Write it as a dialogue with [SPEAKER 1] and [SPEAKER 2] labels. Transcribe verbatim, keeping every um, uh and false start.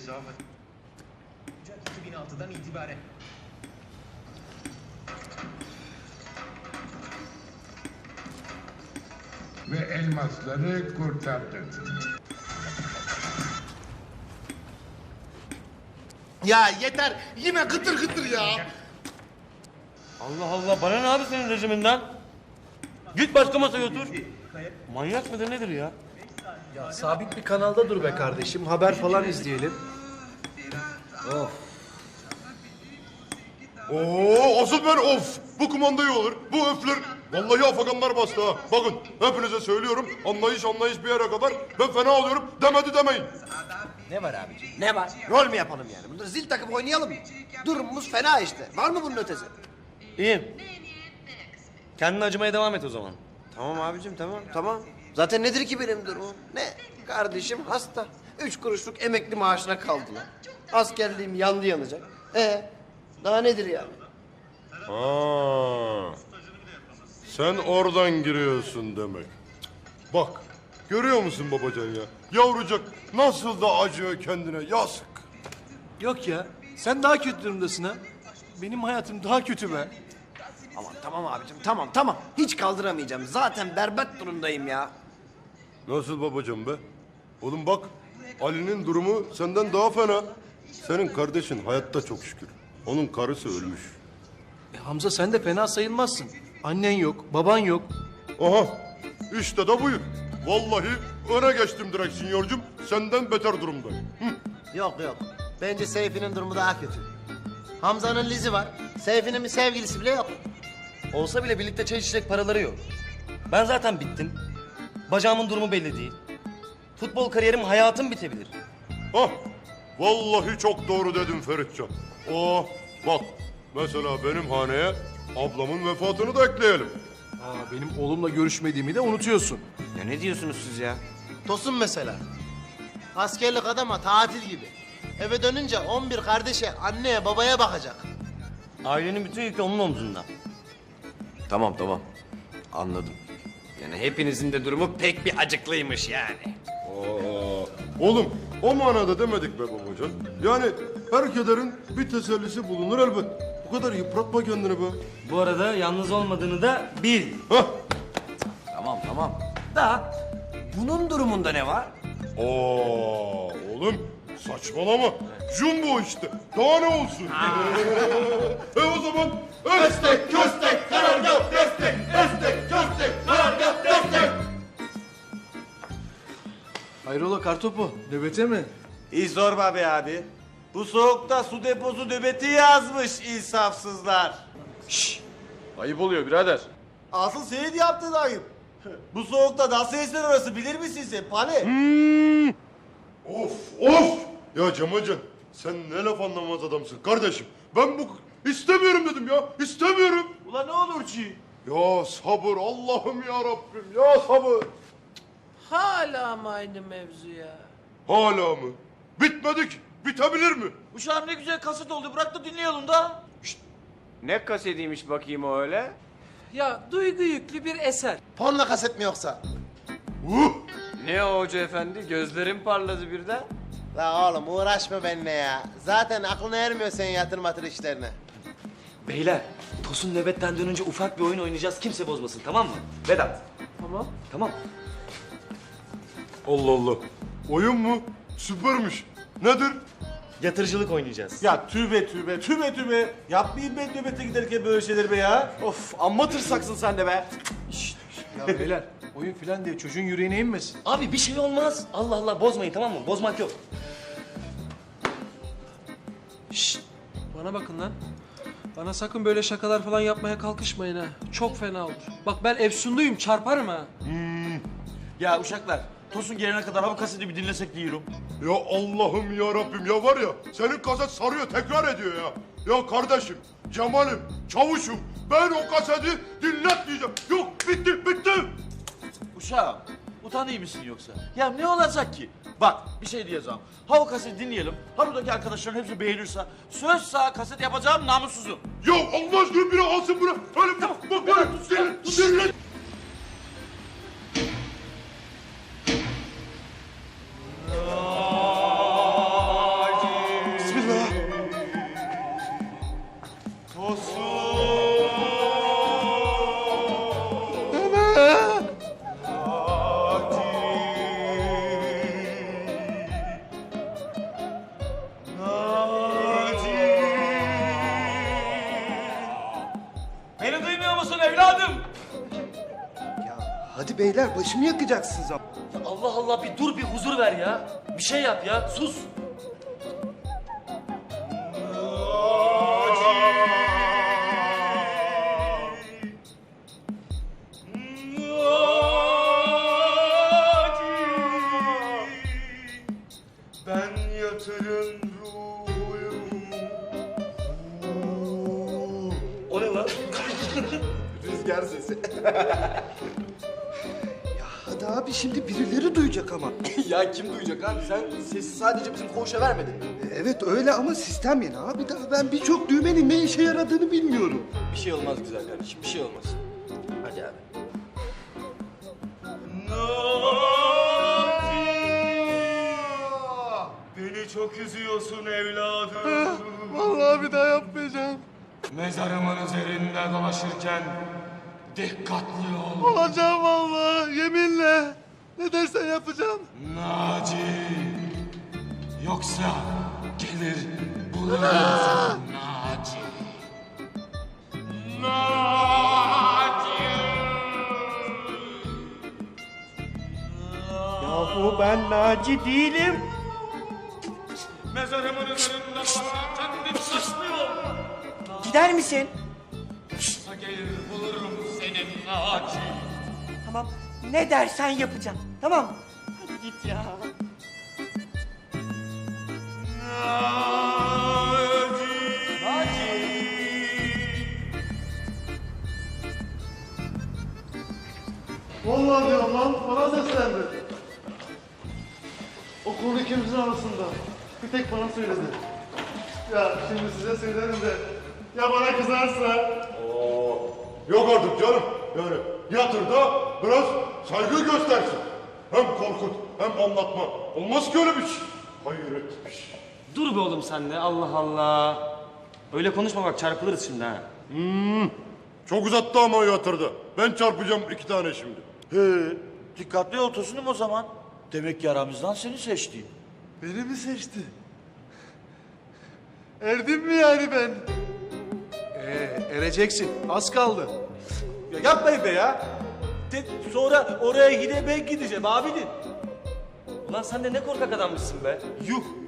[SPEAKER 1] Ocak iki bin altıdan itibaren.
[SPEAKER 2] Ve elmasları kurtardın.
[SPEAKER 3] Ya yeter. Yine gıtır gıtır ya.
[SPEAKER 4] Allah Allah, bana ne abi senin rejiminden? Git başka masaya otur. Manyak mıdır nedir ya?
[SPEAKER 5] Ya sabit bir kanalda dur be kardeşim. Haber falan izleyelim. Of.
[SPEAKER 6] Oo, asıl ben of. Bu kumanda iyi olur. Bu öfler. Vallahi afaganlar bastı ha. Bakın hepinize söylüyorum. Anlayış anlayış bir yere kadar. Ben fena oluyorum. Demedi demeyin.
[SPEAKER 3] Ne var abiciğim? Ne var? Rol mü yapalım yani? Burada zil takıp oynayalım mı? Durumumuz fena işte. Var mı bunun ötesi?
[SPEAKER 4] İyi. Kendine acımaya devam et o zaman.
[SPEAKER 3] Tamam abicim tamam tamam. Zaten nedir ki benim durumum? Ne? Kardeşim hasta. Üç kuruşluk emekli maaşına kaldılar. Askerliğim yandı yanacak. Ee, daha nedir yani?
[SPEAKER 6] Ha. Sen oradan giriyorsun demek. Bak, görüyor musun babacan ya? Yavrucak nasıl da acıyor kendine, yazık.
[SPEAKER 5] Yok ya. Sen daha kötü durumdasın ha. Benim hayatım daha kötü be.
[SPEAKER 3] Aman tamam abicim tamam tamam. Hiç kaldıramayacağım. Zaten berbat durumdayım ya.
[SPEAKER 6] Nasıl babacan be? Oğlum bak, Ali'nin durumu senden daha fena. Senin kardeşin hayatta çok şükür. Onun karısı ölmüş.
[SPEAKER 5] E, Hamza sen de fena sayılmazsın. Annen yok, baban yok.
[SPEAKER 6] Aha, işte de buyur. Vallahi öne geçtim direkt sinyorcum. Senden beter durumdayım. Hı.
[SPEAKER 3] Yok yok. Bence Seyfi'nin durumu daha kötü. Hamza'nın Lizi var. Seyfi'nin bir sevgilisi bile yok.
[SPEAKER 4] Olsa bile birlikte çay içecek paraları yok. Ben zaten bittim. Bacağımın durumu belli değil. Futbol kariyerim, hayatım bitebilir.
[SPEAKER 6] Hah, vallahi çok doğru dedin Feritcan. Oh, bak mesela benim haneye ablamın vefatını da ekleyelim.
[SPEAKER 5] Aa, benim oğlumla görüşmediğimi de unutuyorsun.
[SPEAKER 3] Ya ne diyorsunuz siz ya? Tosun mesela. Askerlik adama tatil gibi. Eve dönünce on bir kardeşe, anneye, babaya bakacak.
[SPEAKER 4] Ailenin bütün yükü onun omzunda.
[SPEAKER 7] Tamam tamam. Anladım. Yani hepinizin de durumu pek bir acıklıymış yani.
[SPEAKER 6] Aa, oğlum o manada demedik be babacan. Yani her kederin bir tesellisi bulunur elbet. Bu kadar yıpratma kendini be.
[SPEAKER 4] Bu arada yalnız olmadığını da bil.
[SPEAKER 6] Hah.
[SPEAKER 7] Tamam tamam. Da bunun durumunda ne var?
[SPEAKER 6] Aa, oğlum saçmalama. Jumbo işte. Daha ne olsun? e o zaman destek, köstek, karargah, destek, destek, köstek, karargah, destek.
[SPEAKER 5] Hayrola kartopu? Nöbete mi?
[SPEAKER 8] İyi sorma be abi. Bu soğukta su deposu nöbeti yazmış insafsızlar.
[SPEAKER 7] Ayıp oluyor birader.
[SPEAKER 8] Asıl senin yaptığın ayıp. Bu soğukta nasıl eser orası bilir misin sen Pani?
[SPEAKER 6] Of of! Ya Cemalcan sen ne laf anlamaz adamsın kardeşim. Ben bu istemiyorum dedim ya. İstemiyorum.
[SPEAKER 8] Ulan ne olur ki?
[SPEAKER 6] Ya sabır Allah'ım ya Rabbim ya sabır.
[SPEAKER 9] Hala mı aynı mevzu ya?
[SPEAKER 6] Hala mı? Bitmedi ki. Bitebilir mi?
[SPEAKER 8] Uşağım ne güzel kaset oldu bırak da dinleyelim da.
[SPEAKER 7] Ne kasetiymiş bakayım o öyle?
[SPEAKER 9] Ya duygu yüklü bir eser.
[SPEAKER 3] Porno kaset mi yoksa?
[SPEAKER 6] Uh!
[SPEAKER 7] Ne o hoca efendi? Gözlerim parladı birden.
[SPEAKER 3] La oğlum uğraşma benimle ya. Zaten aklına ermiyor senin yatır matır işlerine.
[SPEAKER 4] Beyler, Tosun nöbetten dönünce ufak bir oyun oynayacağız. Kimse bozmasın, tamam mı? Vedat.
[SPEAKER 9] Tamam.
[SPEAKER 4] Tamam.
[SPEAKER 6] Allah Allah. Oyun mu? Süpermiş. Nedir?
[SPEAKER 4] Yatırıcılık oynayacağız.
[SPEAKER 8] Ya tübe tübe tübe tübe. Yapmayayım ben nöbete giderken böyle şeyler be ya. Of amma tırsaksın sen de be.
[SPEAKER 5] Ya beyler oyun filan diye çocuğun yüreğine inmesin.
[SPEAKER 4] Abi bir şey olmaz. Allah Allah, bozmayın tamam mı? Bozmak yok.
[SPEAKER 9] Şşt. Bana bakın lan. Bana sakın böyle şakalar falan yapmaya kalkışmayın ha. Çok fena olur. Bak ben efsunduyum çarparım ha.
[SPEAKER 8] Ya uşaklar Tosun gelene kadar ha bu kaseti bir dinlesek diyorum.
[SPEAKER 6] Ya Allah'ım ya Rabbim ya var ya senin kaset sarıyor tekrar ediyor ya. Ya kardeşim, Cemal'im, çavuşum ben o kaseti dinletmeyeceğim. Yok bitti bitti.
[SPEAKER 8] Uşağım utanıyor musun yoksa? Ya ne olacak ki? Bak bir şey diyeceğim. Ha o kaseti dinleyelim. Ha buradaki arkadaşların hepsi beğenirse söz sağ kaset yapacağım namussuzum.
[SPEAKER 6] Ya Allah aşkına biri alsın bunu. Öyle tamam. Bak böyle dinle dinle.
[SPEAKER 10] Hadi beyler başımı yakacaksınız ama.
[SPEAKER 4] Ya Allah Allah bir dur bir huzur ver ya. Bir şey yap ya sus.
[SPEAKER 6] Ben yatırın ruhuyum.
[SPEAKER 8] O ne lan?
[SPEAKER 10] Rüzgar sesi. Ya hadi abi şimdi birileri duyacak ama.
[SPEAKER 5] Ya kim duyacak abi? Sen sesi sadece bizim koğuşa vermedin mi?
[SPEAKER 10] Evet öyle ama sistem yeni abi. Daha ben birçok düğmenin ne işe yaradığını bilmiyorum.
[SPEAKER 5] Bir şey olmaz güzel kardeşim, bir şey olmaz. Hadi abi.
[SPEAKER 6] Beni çok üzüyorsun evladım.
[SPEAKER 10] Vallahi bir daha yapmayacağım.
[SPEAKER 6] Mezarımın üzerinde dolaşırken dikkatli ol.
[SPEAKER 10] Olacağım vallahi yeminle. Ne dersen yapacağım.
[SPEAKER 6] Naci. Yoksa gelir bulurum seni Naci. Naci.
[SPEAKER 10] Yahu ben Naci değilim.
[SPEAKER 6] Mezarımın üzerinde dolaşırken dikkatli ol.
[SPEAKER 10] Gider misin?
[SPEAKER 6] Yoksa gelir bulurum seni Naci.
[SPEAKER 10] Tamam. Ne dersen yapacağım. Tamam. Hadi git ya.
[SPEAKER 11] Vallahi diyorum lan, bana seslendi. Okulun ikimizin arasında. Bir tek bana söyledi. Ya şimdi size söylerim de, ya bana kızarsa?
[SPEAKER 6] Yok artık canım. Yani yatır da biraz saygı göstersin. Hem korkut hem anlatma. Olmaz ki öyle bir şey. Hayret bir şey.
[SPEAKER 4] Dur be oğlum sen de Allah Allah. Öyle konuşma bak çarpılırız şimdi ha.
[SPEAKER 6] Çok uzattı ama yatırdı. Ben çarpacağım iki tane şimdi.
[SPEAKER 8] He, dikkatli ol Tosun'um o zaman. Demek ki aramızdan seni seçti.
[SPEAKER 11] Beni mi seçti? Erdim mi yani ben?
[SPEAKER 5] Ee, ereceksin. Az kaldı.
[SPEAKER 8] Ya yapmayın be ya. De, sonra oraya gide ben gideceğim abinin.
[SPEAKER 4] Ulan sen de ne korkak adammışsın be.
[SPEAKER 8] Yuh